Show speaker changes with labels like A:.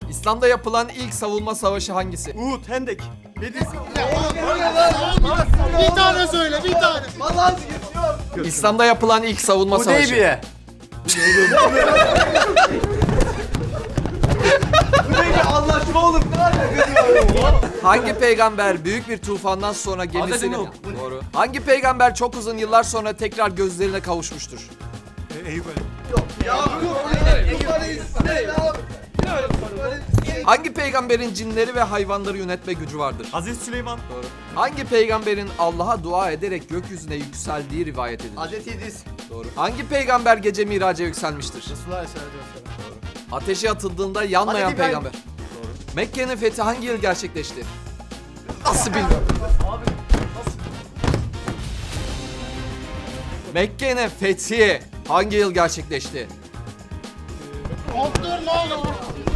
A: İslam'da yapılan ilk savunma savaşı hangisi?
B: Uhud, Hendek.
C: Bir tane söyle, bir tane.
A: İslam'da yapılan ilk savunma savaşı.
B: Hudeybiye.
D: Anlaşma olur. Ne alakası var?
A: Hangi peygamber büyük bir tufandan sonra gemisini...
B: Nuh.
A: Doğru. Hangi peygamber çok uzun yıllar sonra tekrar gözlerine kavuşmuştur?
B: Eyüp.
A: Hangi peygamberin cinleri ve hayvanları yönetme gücü vardır?
B: Aziz Süleyman.
A: Doğru. Hangi peygamberin Allah'a dua ederek gökyüzüne yükseldiği rivayet edilir?
D: Hazreti İdris.
A: Doğru. Hangi peygamber gece miraca yükselmiştir?
C: Resulullah Aleyhisselatü Vesselam.
A: Ateşe atıldığında yanmayan
D: Hazreti İbrahim.
A: peygamber. Doğru. Mekke'nin fethi hangi yıl gerçekleşti? Nasıl bilmiyorum. Mekke'nin fethi hangi yıl gerçekleşti?
C: Koptur ne olur.